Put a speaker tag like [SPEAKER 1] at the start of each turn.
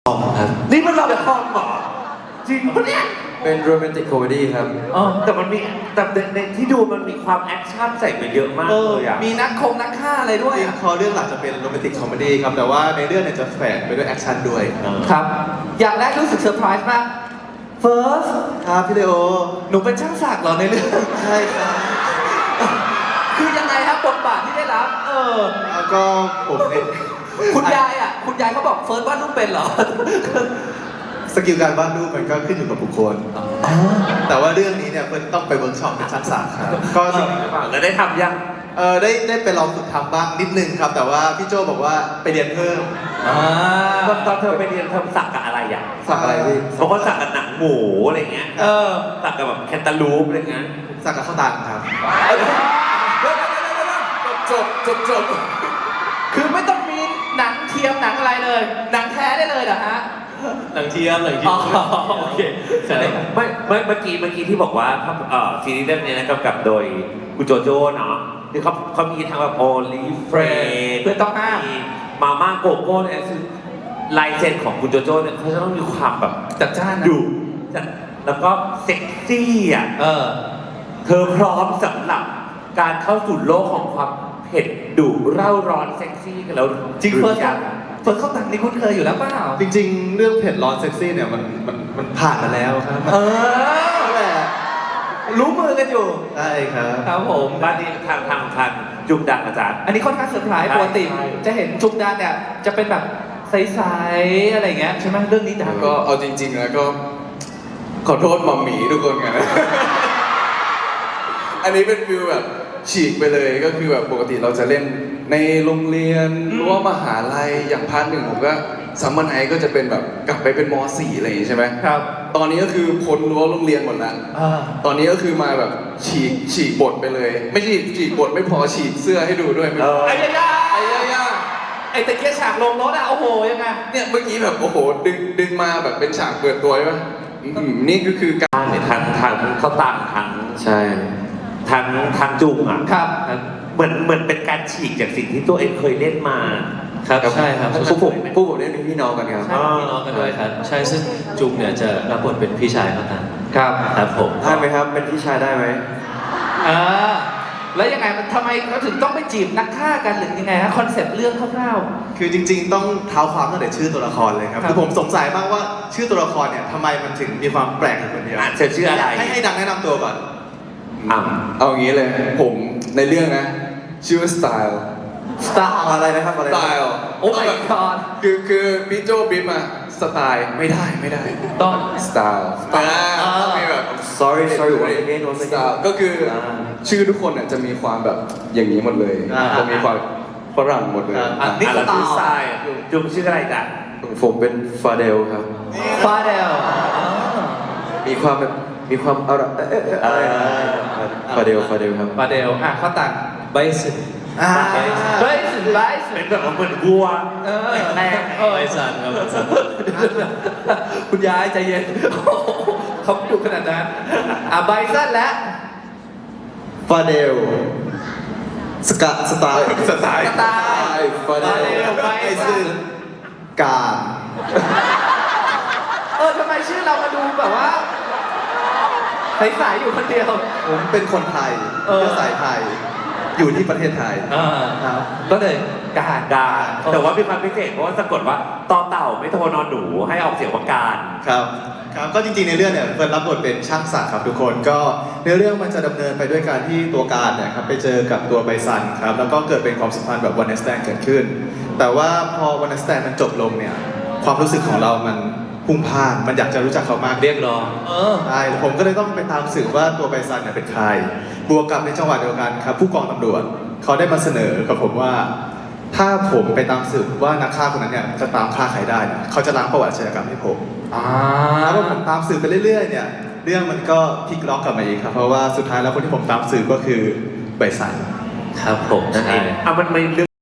[SPEAKER 1] ครับ
[SPEAKER 2] นี่มันเราคอมเหรอจริงปะเนี่ย
[SPEAKER 1] เป็นโรแมนติกคอมเมดี้ครับ
[SPEAKER 2] แต่มันมีแต่ในที่ดูมันมีความแอคชั่นใส่ไปเยอะมากเลยอ่ะ
[SPEAKER 3] มีนักฆ่าอะไรด้วย
[SPEAKER 4] จริงคอเรื่องหลักจะเป็นโรแมนติกคอมเมดี้ครับแต่ว่าในเรื่องเนี่ยจะแฝงไปด้วยแอคชั่นด้วย
[SPEAKER 3] ครับ อย่างแรกรู้สึกเซอร์ไพรส์มากเฟิร์ส
[SPEAKER 4] ครับพี่เลโอ
[SPEAKER 3] หนูเป็นช่างศักดิ์เหรอในเรื่อง
[SPEAKER 4] ใช่ครับ
[SPEAKER 3] คือยังไงครับบทบาทที่ได้รับ
[SPEAKER 4] แล้วก็ผมเนี่ย
[SPEAKER 3] คุณยายเขาบอกเฟิร์สวาดรูปเป็นเหรอ
[SPEAKER 4] สกิลการวาดรูปมันก็ขึ้นอยู่กับบุคคลแต่ว่าเรื่องนี้เนี่ยเพิ่นต้องไปเวิร์กช็อปเป็นชั้นศาสตร์ครับก็จริง
[SPEAKER 2] แล้วได้ทำยัง
[SPEAKER 4] ได้ไปลองฝึกทำบ้างนิดนึงครับ แต่ว่าพี่โจบอกว่าไปเรียนเพิ่ม
[SPEAKER 2] ตอนเธอไปเรียนเธอสักกับอะไรอ่ะ
[SPEAKER 4] สักอะไรพี่
[SPEAKER 2] บางคนสักกับหนังหมูอะไรเงี้ยสักกับแบบแคนตาลูปอะไรเงี้ย
[SPEAKER 4] สักกับข้าวตังครับ
[SPEAKER 3] จบคือไม่ต้องมีหนังเทียมหนังอะไรเลย หนังแท้ได้เลยเหรอฮะ
[SPEAKER 1] หนังเทียม
[SPEAKER 3] อ๋อโอเค
[SPEAKER 1] ใช่
[SPEAKER 2] ไม่เมื่อกี้ที่บอกว่าซีรีส์เรื่องนี้นะกำกับโดยคุณโจโจ้เนาะที่เขามีทั้งแบบโอลิเฟรน
[SPEAKER 3] เพื่อนต้องห้าม
[SPEAKER 2] มาม่าโกโก้เนี่ยคือลายเซ็นของคุณโจโจ้เนี่ยเขาจะต้องมีความแบบ
[SPEAKER 3] จัดจ้านนะ
[SPEAKER 2] ดุจัดแล้วก็เซ็กซี่อ่ะเธอพร้อมสำหรับการเข้าสู่โลกของความเผ็ดดุเร่าร้อนเซ็กซี่กันแล้ว
[SPEAKER 3] จริงเฟิร์ส
[SPEAKER 2] ยัง
[SPEAKER 3] เข้าตังนี่คุ้นเคยอยู่แล้วเปล่า
[SPEAKER 4] จริงๆ เรื่องเผ็ดร้อนเซ็กซี่เนี่ยมันผ่านมาแล้วครับ นั่นแหละ
[SPEAKER 3] รู้มือกันอยู่
[SPEAKER 4] ใช่ครับ
[SPEAKER 3] ครับผม
[SPEAKER 2] บ้านนี้ทางจุกดังอาจารย์
[SPEAKER 3] อันนี้ค่อนข้างเซอร์ไพรส์
[SPEAKER 2] ใช่
[SPEAKER 3] ปกติ
[SPEAKER 2] ใช่
[SPEAKER 3] จะเห็นจุกดานเนี่ยจะเป็นแบบใสๆอะไรอย่างเงี้ยใช่ไหมเรื่องนี้ดัง
[SPEAKER 5] ก็เอาจริงๆแล้วก็ขอโทษหมอมหมีทุกคนกันนะ อันนี้เป็นฟิลแบบฉีกไปเลยก็คือแบบปกติเราจะเล่นในโรงเรียนหรือว่ามหาลัยอย่างพาร์ทหนึ่งผมก็ซัมเมอร์ไนท์ก็จะเป็นแบบกลับไปเป็นม .4 อะไรอย่างงี้ใช่ไหม
[SPEAKER 3] ครับ
[SPEAKER 5] ตอนนี้ก็คือพ้นรั้วโรงเรียนหมดแล้ว ตอนนี้ก็คือมาแบบฉีกบทไปเลย ไม่ใช่ฉีกบทไม่พอฉีกเสื้อให้ดูด้วยไม่พอ
[SPEAKER 3] ไอ้ยา
[SPEAKER 5] ไอ้ย่า
[SPEAKER 3] ไอ้ตะเกียบฉากลงรถอะโอ้โหยังไง
[SPEAKER 5] เนี่ยเมื่อกี้แบบโอ้โหดึงมาแบบเป็นฉากเปิดตัวใช่ปะนี่ก็คือการ
[SPEAKER 2] ทางเขาต่างทาง
[SPEAKER 1] ใช่
[SPEAKER 2] ทางจุงอ่ะ
[SPEAKER 3] ครับ
[SPEAKER 2] เหมือนเป็นการฉีกจากสิ่งที่ตัวเองเคยเล่นมา
[SPEAKER 1] ครับใช่ครับพวกผมเล่นเป็นพี่น้องกันครับ
[SPEAKER 3] ใช่
[SPEAKER 1] พี่น้องกันด้วยครับ ใช่ซึ่งจุงเนี่ยจะรับบทเป็นพี่ชายเขาตัง
[SPEAKER 3] ครับ
[SPEAKER 1] ครับผมได้ไหมครับเป็นพี่ชายได้ไหม
[SPEAKER 3] แล้วยังไงมันทำไมเขาถึงต้องไปจีบนักฆ่ากันหรือยังไงฮะคอนเซ็ปต์เรื่องคร่าว
[SPEAKER 4] คือจริงๆ ต้องเท้าความตั้งแต่ชื่อตัวละครเลยครับ
[SPEAKER 3] ครับ
[SPEAKER 4] คือผมสงสัยมากว่าชื่อตัวละครเนี่ยทำไมมันถึงมีความแปลกอยู่คนเดียว
[SPEAKER 2] เธอชื่ออะไร
[SPEAKER 4] ให้ดังแนะนำตัวก่อน
[SPEAKER 5] เอางี้เลยผมในเรื่องนะชื่อว่าสไตล์
[SPEAKER 3] ๆสไตล์
[SPEAKER 4] อะไรนะครับอะไร
[SPEAKER 5] ส
[SPEAKER 4] นะ
[SPEAKER 5] ไตล์
[SPEAKER 3] โอ้ my god
[SPEAKER 5] คือพี่โจบิ๊มอะสไตล์ไม่ได้
[SPEAKER 3] ต้อง
[SPEAKER 5] สไตล์ต้องมีแบบ
[SPEAKER 1] sorry once again
[SPEAKER 5] สไตล์ก็คือชื่อทุกคนเนี่ยจะมีความแบบอย่างนี้หมดเลยจะมีความฝรั่งหมดเลย
[SPEAKER 3] นี่
[SPEAKER 2] แล้ว
[SPEAKER 3] สไต
[SPEAKER 2] ชื่อ
[SPEAKER 3] ล์
[SPEAKER 2] ทรายจุงชื่ออะไรจ้ะ
[SPEAKER 1] ผมเป็นฟาเดลครับ
[SPEAKER 3] ฟาเดล
[SPEAKER 1] มีความแบบมีความอะไรฟาเดลครับ
[SPEAKER 3] ฟาเดลเขาต่าง
[SPEAKER 1] ไบสัน
[SPEAKER 3] เฮ้ยสุดไลฟ์
[SPEAKER 2] เป็นแบบว่าเหมือนวัว
[SPEAKER 3] แรง
[SPEAKER 1] ไบสันครับไบสัน
[SPEAKER 3] คุณยายใจเย็นเขาดุขนาดนั้นไบซันและ
[SPEAKER 4] ฟาเดลสไตล์
[SPEAKER 5] สไตล์
[SPEAKER 3] สไตล์
[SPEAKER 5] ฟาเด
[SPEAKER 3] ฟาเด
[SPEAKER 5] ล
[SPEAKER 3] ลไบ
[SPEAKER 4] ไอ้
[SPEAKER 3] ซั
[SPEAKER 4] ซึ่ง
[SPEAKER 3] น
[SPEAKER 4] การ
[SPEAKER 3] ทำไมชื่อเรามาดูแบบว่าใสๆอยู่คนเดียว
[SPEAKER 4] ผมเป็นคนไทยเชื้อสายไทย อยู่ที่ประเทศไทยครับ
[SPEAKER 3] ก็เลยการ
[SPEAKER 2] การแต่ว่ามีความพิเศษเพราะว่าสะกดว่าต่อเต่าไม่โทรนอนหนูให้ออกเสียงว่าการ
[SPEAKER 4] ครับครับก็จริงๆในเรื่องเนี่ยเฟิร์นรับบทเป็นช่างศักดิ์ครับทุกคนก็ในเรื่องมันจะดำเนินไปด้วยการที่ตัวการเนี่ยครับไปเจอกับตัวไบซันครับแล้วก็เกิดเป็นความสัมพันธ์แบบวันเนสแตนเกิดขึ้น แต่ว่าพอวันเนสแตนมันจบลงเนี่ยความรู้สึกของเรามันพุ่งพล่านมันอยากจะรู้จักเขามาก
[SPEAKER 1] เรียกร้อง
[SPEAKER 4] ใช่ผมก็เลยต้องไปตามสืบว่าตัวไบซันเนี่ยเป็นใครบวกกับในจังหวะเดียวกันครับผู้กองตำรวจเขาได้มาเสนอกับผมว่า ถ้าผมไปตามสืบว่านักฆ่าคนนั้นเนี่ยจะตามฆ่าใครได้เนี่ยเขาจะล้างประวัติอาชญากรรมให้ผมแล้วพอผมตามสืบไปเรื่อยๆเนี่ยเรื่องมันก็พลิกล็อกกลับมาอีกครับเพราะว่าสุดท้ายแล้วคนที่ผมตามสืบก็คือไบซัน
[SPEAKER 1] ครับผมใช่
[SPEAKER 2] มันไม่เรื่อง